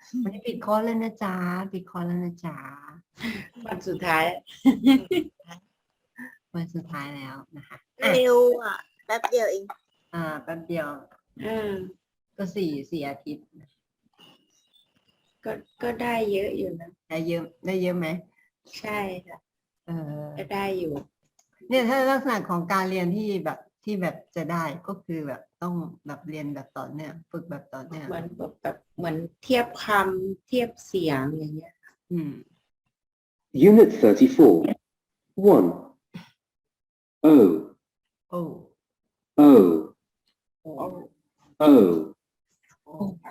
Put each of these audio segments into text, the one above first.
วันนี้ปิดคอร์สแล้วนะจ๊ะปิดคอร์สแล้วนะจ๊ะวันสุดท้ายวันสุดท้ายแล้วนะคะเร็วอ่ะแป๊บเดียวเองแป๊บเดียว ก็สี่อาทิตย์ก็ได้เยอะอยู่นะได้เยอะไหมใช่ค่ะก็ได้อยู่เนี่ยถ้าลักษณะของการเรียนที่แบบจะได้ก็คือแบบต้องแบบเรียนแบบต่อเนื่องฝึกแบบต่อเนื่องเหมือนเทียบคำเทียบเสียงอย่างเงี้ย Unit 34. 1. O. โอ้ O. โอ้ O. โอ้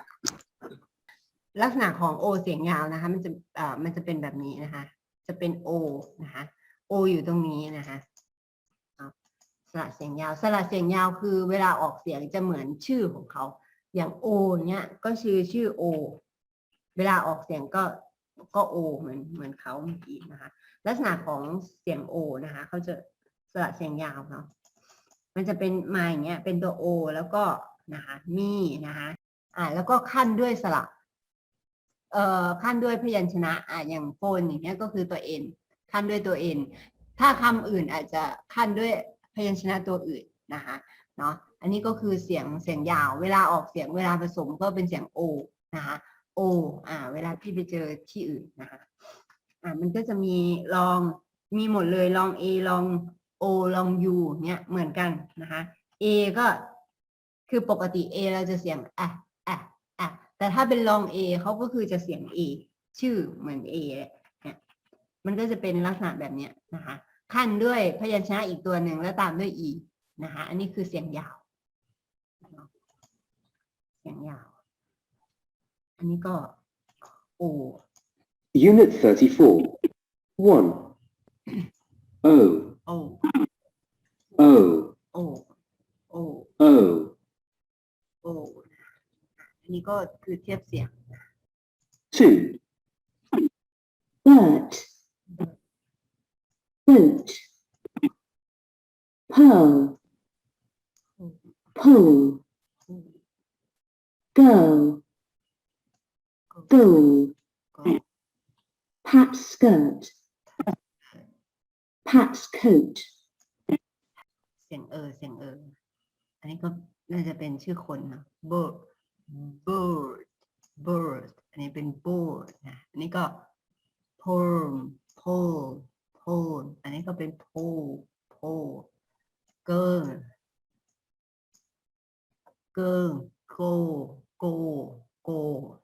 ลักษณะของโอเสียงยาวนะคะมันจะเป็นแบบนี้นะคะ จะเป็นโอนะคะโออยู่ตรงนี้นะคะสระเสียงยาวสระเสียงยาวคือเวลาออกเสียงจะเหมือนชื่อของเขาอย่างโอเนี้ยก็ชื่อโอเวลาออกเสียงก็โอเหมือนเขาเมื่อกี้นะคะลักษณะของเสียงโอนะคะเขาจะสระเสียงยาวเนาะมันจะเป็นมาอย่างเงี้ยเป็นตัวโอแล้วก็นะคะมีนะคะแล้วก็ขั้นด้วยสระขั้นด้วยพยัญชนะอย่างโฟนอย่างเงี้ยก็คือตัว n ขั้นด้วยตัว n ถ้าคำอื่นอาจจะขั้นด้วยพยัญชนะตัวอื่นนะคะเนาะอันนี้ก็คือเสียงยาวเวลาออกเสียงเวลาผสมก็เป็นเสียง o นะคะโอเวลาพี่ไปเจอที่อื่นนะคะมันก็จะมีมีหมดเลยลอง A ลอง O ลอง U เนี่ยเหมือนกันนะคะ A ก็คือปกติ A เราจะเสียงแต่ถ้าเป็นลอง A เขาก็คือจะเสียง A ชื่อเหมือน A เนี่ยมันก็จะเป็นลักษณะแบบนี้นะคะขั้นด้วยพยัญชนะอีกตัวหนึ่งแล้วตามด้วย E นะคะอันนี้คือเสียงยาวเสียงยาวอันนี้ก็ O Unit 34. 1. O. O O. O O O. O อันนี้ก็คือเทียบเสียง 2. Bird, boot, pearl, pull, go, goal, pat skirt, pat's coat, เสียงเสียงอันนี้ก็น่าจะเป็นชื่อคนนะ bird อันนี้เป็น bird นะอันนี้ก็ pole อันนี้ก็เป็น pole girl go